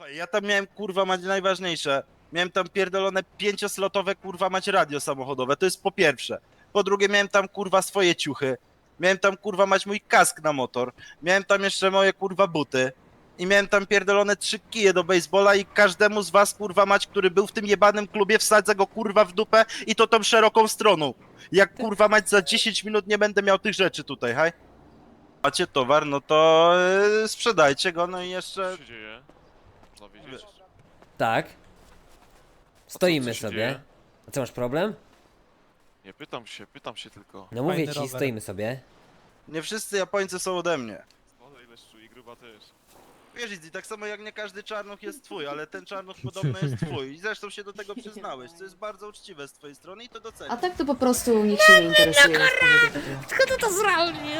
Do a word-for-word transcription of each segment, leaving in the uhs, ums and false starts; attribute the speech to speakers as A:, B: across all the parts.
A: Ja tam miałem, kurwa, mać najważniejsze. Miałem tam pierdolone pięcioslotowe, kurwa, mać radio samochodowe, to jest po pierwsze. Po drugie miałem tam, kurwa, swoje ciuchy. Miałem tam, kurwa, mać mój kask na motor. Miałem tam jeszcze moje, kurwa, buty. I miałem tam pierdolone trzy kije do baseballa i każdemu z was, kurwa, mać, który był w tym jebanym klubie, wsadzę go, kurwa, w dupę i to tą szeroką stroną. Jak, kurwa, mać, za dziesięć minut nie będę miał tych rzeczy tutaj, haj? Macie towar, no to yy, sprzedajcie go, no i jeszcze...
B: Co się dzieje? Można wiedzieć.
C: Tak. Stoimy
B: co się
C: sobie.
B: dzieje?
C: A co, masz problem?
B: Nie, pytam się, pytam się tylko.
C: No mówię
D: Fajny
C: ci,
D: rower.
C: stoimy sobie.
A: Nie wszyscy Japońcy są ode mnie.
B: No ile szczu i gruba też.
A: Wiesz, Izzy, tak samo jak nie każdy czarnuch jest twój, ale ten czarnuch podobno jest twój. I zresztą się do tego przyznałeś, co jest bardzo uczciwe z twojej strony i to
E: A
A: doceniam.
E: tak to po prostu nikt się nie interesuje. z powodu tego.
C: Kto to zrobił?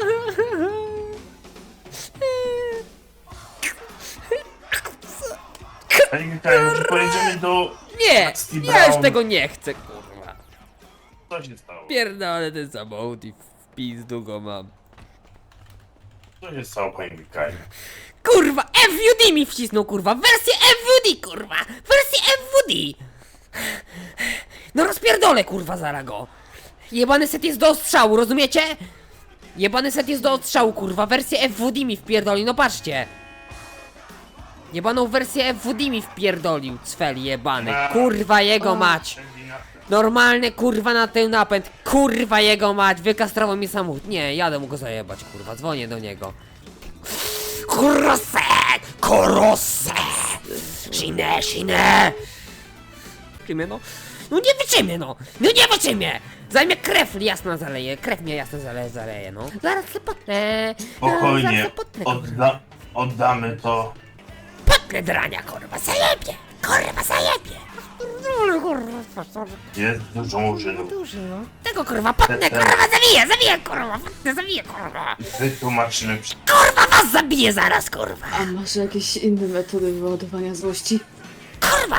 F: Panie Mikołaju, może pojedziemy do...
C: Nie!
F: Steve
C: Ja już
F: Brown.
C: tego nie chcę, kurwa.
F: Co się stało?
C: Pierdolę ten samochód i w pizdu go mam.
F: Co się stało, panie Mikołaju?
C: Kurwa, F V D mi wcisnął, kurwa! Wersję F V D, kurwa! Wersję F V D! No rozpierdolę, kurwa, zaraz go! Jebany set jest do ostrzału, rozumiecie? Jebany set jest do ostrzału, kurwa! Wersję F V D mi wpierdoli, no patrzcie! Jebaną wersję F V D mi wpierdolił, cfel jebany. Kurwa jego mać! Normalny kurwa na ten napęd, kurwa jego mać! Wykastrował mi samochód. Nie, jadę mu go zajebać, kurwa, dzwonię do niego. Kurosę! Kurosę! Szinę, szinę! Wyczymię, no. No nie wyczymię, no! No nie wyczymię! Zajmie krew jasna zaleje, krew mnie jasno zaleje, zaleje, no. Zaraz se potnę.
F: Spokojnie,
C: Zaraz se potnę.
F: odda oddamy to.
C: Potnę drania, kurwa, zajebie! Kurwa, zajebie! Kurwa,
F: Jest dużo murzynów.
C: duży, no. Tego kurwa, potnę, kurwa, zabiję, zabiję, kurwa, potnę, zabiję, kurwa!
F: Wytłumaczymy przy...
C: Kurwa, was zabiję zaraz, kurwa!
E: A masz jakieś inne metody wyładowania złości?
C: Kurwa!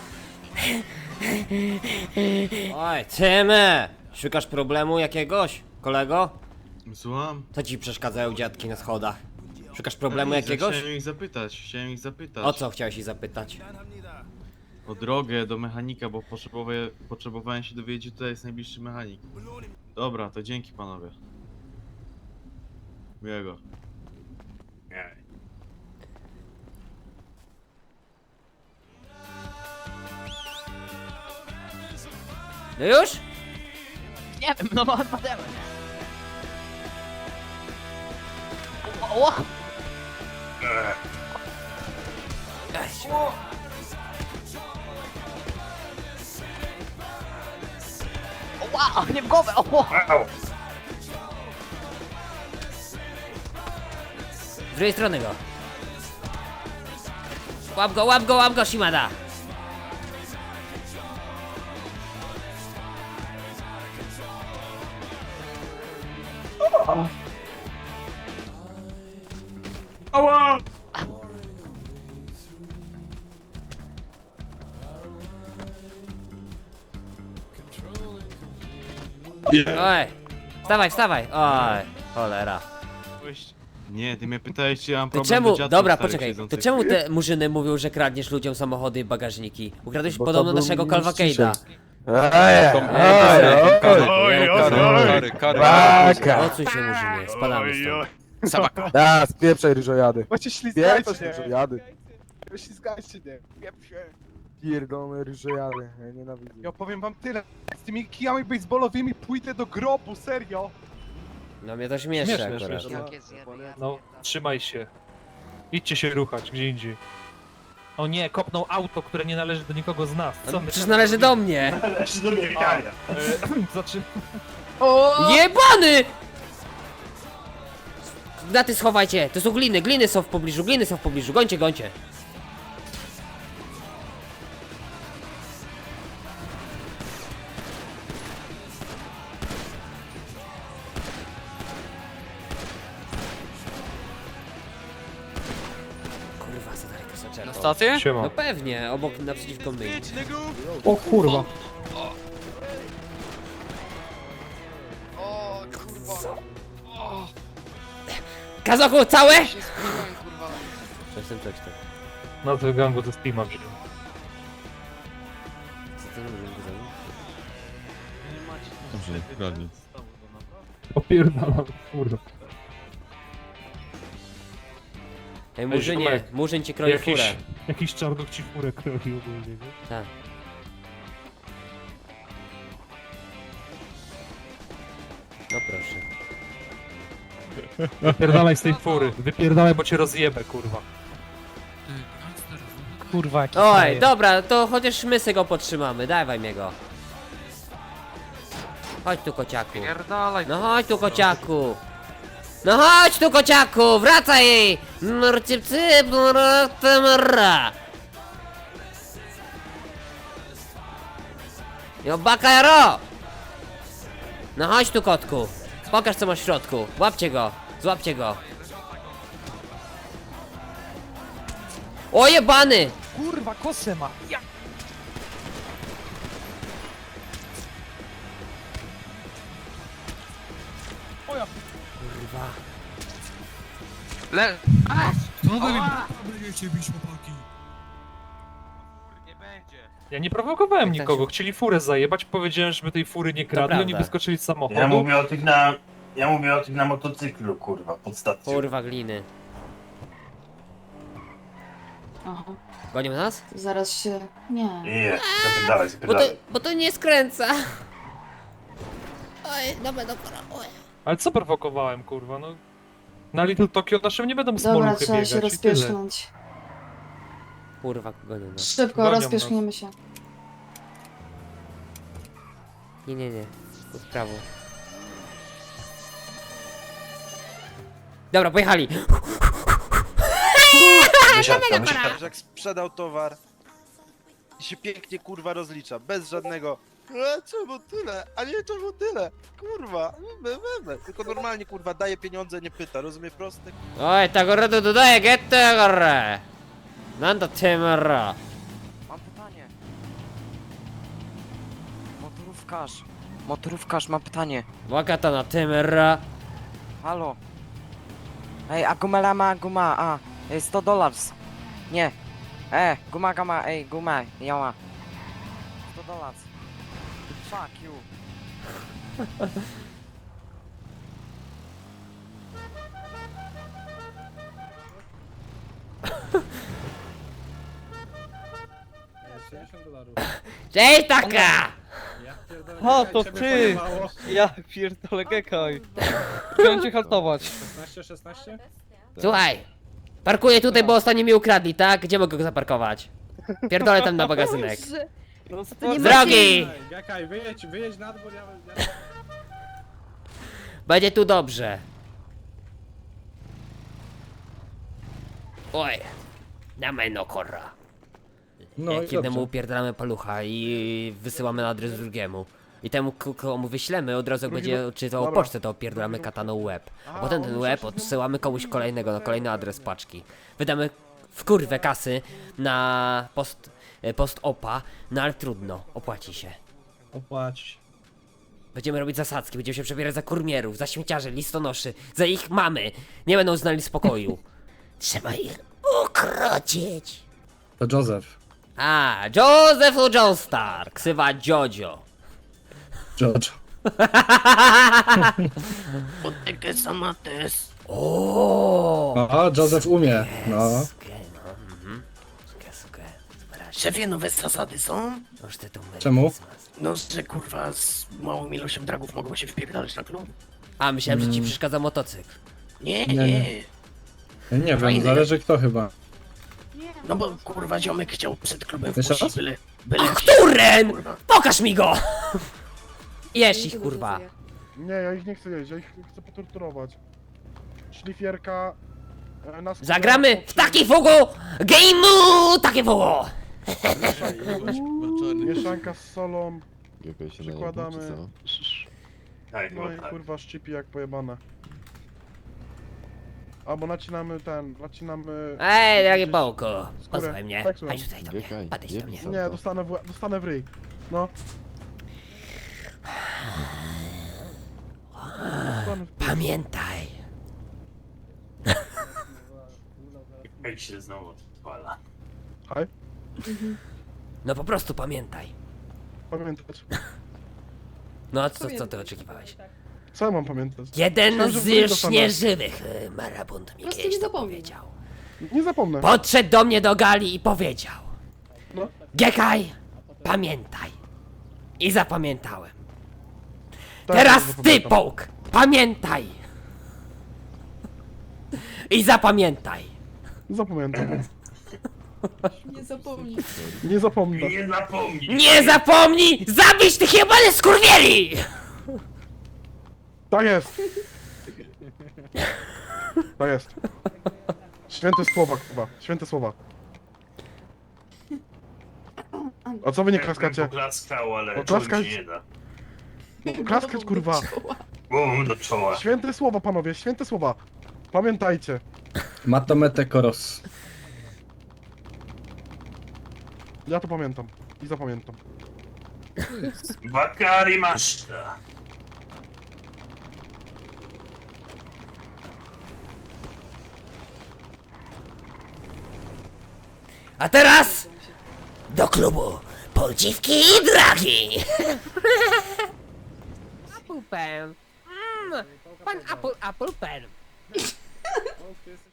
C: Oj, Tymy! Szukasz problemu jakiegoś, kolego?
G: Słucham?
C: Co ci przeszkadzają dziadki na schodach? Szukasz problemu
G: Nic,
C: jakiegoś?
G: Chciałem ich zapytać, chciałem ich zapytać.
C: O co chciałeś ich zapytać?
G: O drogę do mechanika, bo potrzebowałem, potrzebowałem się dowiedzieć, gdzie tutaj jest najbliższy mechanik. Dobra, to dzięki panowie. Miłego.
F: Nie.
C: No już?
D: Nie wiem, no odpademy. O, o,
F: Eee,
D: o, wow, nie w głowę, o, o.
F: au.
C: Z drugiej strony go. Łap go, łap go, łap go, Shimada!
F: Ała!
C: Oj! Wstawaj, wstawaj! Oj, cholera.
G: Nie, ty mnie pytałeś, czy ja mam
C: To
G: problem
C: czemu,
G: do dziadków
C: dobra,
G: starych
C: poczekaj, to
G: siedzących.
C: czemu te murzyny mówią, że kradniesz ludziom samochody i bagażniki? Ukradłeś podobno naszego Calvacade'a. Odsuń się, murzynie, spadamy stąd.
H: Da, spieprzaj ryżojady.
I: Właśnie ślizgajcie
H: Spieprzaj
I: się.
H: ryżojady.
I: Ślizgajcie nie. Pieprzę.
H: Pierdolone ryżojady. Ja nienawidzę.
I: Ja powiem wam tyle. Z tymi kijami baseballowymi pójdę do grobu, serio.
C: No mnie to śmieszy
D: Śmieszne,
C: akurat.
D: śmieszne. No, trzymaj się. Idźcie się ruchać gdzie indziej. O nie, kopnął auto, które nie należy do nikogo z nas. Co my
C: Przecież
D: teraz
C: należy do
D: robimy?
C: mnie!
F: Należy do biegania.
D: E, Zaczyn...
C: Jebany! Daty schowajcie, to są gliny, gliny są w pobliżu, gliny są w pobliżu, gońcie, gońcie. Kurwa, co dalej to zaczęło?
J: Na stację?
D: Siema.
C: No pewnie, obok, naprzeciwko mnie.
D: O kurwa.
C: Kazoku, całe? Coś tam, coś tam.
D: Nazwę gangu ze Steama wziął.
C: Co ty robisz, Guzan?
G: Dobrze, kradnie.
D: Opierdalam, kurwa.
C: Ej, Murzynie,
D: ziomek,
C: Murzyn ci kroi
D: Jakiś,
C: furę.
D: jakiś czarnok ci furę kroi ogólnie, nie?
C: Tak. No proszę.
D: Wypierdalaj z tej fury, wypierdalaj, bo cię rozjebę, kurwa. Kurwa, jaki
C: Oj,
D: frajer.
C: dobra, to chociaż my se go podtrzymamy, dawaj mnie go. Chodź tu, kociaku.
B: Pierdalaj.
C: No chodź tu, kociaku. No chodź tu, kociaku, wracaj! Mrcypcyp, mrcypcyp. Jo, bakajaro! No chodź tu, kotku. Pokaż, co masz w środku. Łapcie go, złapcie go. O jebany!
D: Kurwa, kosę ma! Ja.
C: Kurwa.
B: Le...
D: Ja nie prowokowałem
C: Jak tam
D: nikogo,
C: się-
D: chcieli furę zajebać, powiedziałem, żeby tej fury nie kradli, oni
C: prawda.
D: wyskoczyli z samochodu.
F: Ja mówię o tych na... Ja mówię o tych na motocyklu, kurwa, pod stacją.
C: Kurwa gliny.
E: Aha,
C: Gonią nas?
E: zaraz się... Nie.
F: Nie, zapierdalaj,
C: Bo to,
F: zapierdalaj.
C: bo to nie skręca. Oj, dobra, dobra, oj.
D: Ale co prowokowałem, kurwa, no... Na Little Tokyo naszym nie będą
E: Dobra,
D: smoluchy
E: trzeba
D: biegać
E: się
D: i tyle.
E: rozpieszknąć.
C: Kurwa, gonią nas.
E: Szybko,
D: Gonią
E: rozpieszkniemy się.
C: Nie, nie, nie. Tu w prawo. Dobra, pojechali.
F: Wysiadka, wysiadka.
A: Jak sprzedał towar i się pięknie kurwa rozlicza, bez żadnego e, czemu tyle, a nie czemu tyle, kurwa, my, my, my. Tylko normalnie kurwa daje pieniądze, nie pyta, rozumie prosty?
C: Oj, ta gorę tu dodaję, get tę gorę. Nanda temera.
J: Mam pytanie. Motorówkarz. Motorówkarz, mam pytanie.
C: Wakata na temera.
J: Halo. Ej, a gumela ma guma, a. Ej, sto dolarów. Nie. E, guma gama, ej, guma, ja ma. sto dolarów. Fuck you.
C: Cześć taka!
K: O, to ty! Ja pierdolę, gekaj. Chciałem cię haltować.
I: szesnaście, szesnaście?
C: Słuchaj. Parkuję tutaj, bo ostatnio mi ukradli, tak? Gdzie mogę go zaparkować? Pierdolę tam na magazynek.
K: No,
C: Z drogi!
I: Gekaj, wyjedź, wyjedź na dwór, ja... ja...
C: Będzie tu dobrze. Oj. Damy no korra.
H: No
C: Jak
H: i
C: jednemu
H: dobrze.
C: upierdalamy palucha i wysyłamy na adres drugiemu. I temu, k- komu wyślemy, od razu jak
H: Drugi
C: będzie
H: ru-
C: czytał
H: dobra.
C: pocztę, to opierdalamy kataną łeb. A
H: A,
C: potem
H: on
C: ten
H: musiał
C: łeb
H: się z nim-
C: odsyłamy komuś kolejnego, na kolejny adres paczki. Wydamy w kurwę kasy na post, e, post opa, no ale trudno, opłaci się.
I: Opłać.
C: Będziemy robić zasadzki, będziemy się przebierać za kurmierów, za śmieciarzy, listonoszy, za ich mamy. Nie będą znali spokoju. Trzeba ich ukrócić.
I: To Joseph.
C: A, Joseph Joestar, ksywa Jojo.
I: George.
C: O,
I: O, Joseph umie. No.
C: Sukę, no, mhm. Sukę, sukę.
K: Szefie, nowe zasady są?
C: Noż ty tu mylisz.
I: Czemu?
K: No, że kurwa z małą ilością dragów mogą się wpierdalać na klub?
C: A, myślałem, że ci przeszkadza motocykl.
K: Nie,
I: Nie,
K: nie.
I: nie. Ja nie wiem,
K: Fajny.
I: zależy kto chyba.
K: No bo kurwa ziomek chciał przed klubem
I: Jeszcze
K: wpuścić
I: raz?
K: byle... byle jakiś-
C: Turen!
K: Kurwa.
C: Pokaż mi go! Jesz ich, kurwa.
H: Nie, ja ich nie chcę jeść, ja ich chcę potorturować. Szlifierka... e, na skórę-
C: Zagramy w taki fugu! Game'u! Takie fugu!
H: Mieszanka z solą, przykładamy... No i kurwa szczypi jak pojebane. Albo nacinamy ten, nacinamy...
C: Ej, drogie bołku,
H: Skórę.
C: pozwól mnie.
H: Tak, słucham.
C: Chodź tutaj do mnie, podejdź do mnie.
H: Nie, dostanę w, dostanę w ryj. No. Dostanę w...
C: Pamiętaj.
F: Jak się znowu odpala.
H: Hej,
C: No po prostu pamiętaj.
H: pamiętać.
C: No a co, co ty oczekiwałeś?
H: Co ja mam pamiętać?
C: Jeden
H: Myślałem, że wróci do
C: z
H: pana.
C: nieżywych e, marabuntu mi
E: Prostu
C: kiedyś
E: nie
C: to
E: zapomnę.
C: powiedział.
H: Nie zapomnę.
C: Podszedł do mnie do gali i powiedział:
H: No.
C: Gekaj, pamiętaj. I zapamiętałem.
H: Tak,
C: Teraz
H: ja
C: ty,
H: zapamiętam.
C: Połk, pamiętaj. I zapamiętaj.
H: Zapamiętam.
E: Nie zapomnij.
H: Nie zapomnę.
F: Nie zapomnij!
C: Nie zapomnij zabić tych jebanych skurwieli!
H: Tak jest. Tak jest. Święte słowa, kurwa. Święte słowa. A co wy nie klaskacie?
F: Klaskał, ale
H: No, klaskać-
F: się nie da.
H: Klaskać, kurwa.
F: Bum do czoła.
H: Święte słowa, panowie, święte słowa. Pamiętajcie.
K: Matomete koros.
H: Ja to pamiętam. I zapamiętam.
F: Bakari maszta.
C: A teraz do klubu Poldziwki i Dragi! Apple Pen. Mm, pan Apple, Apple Pen.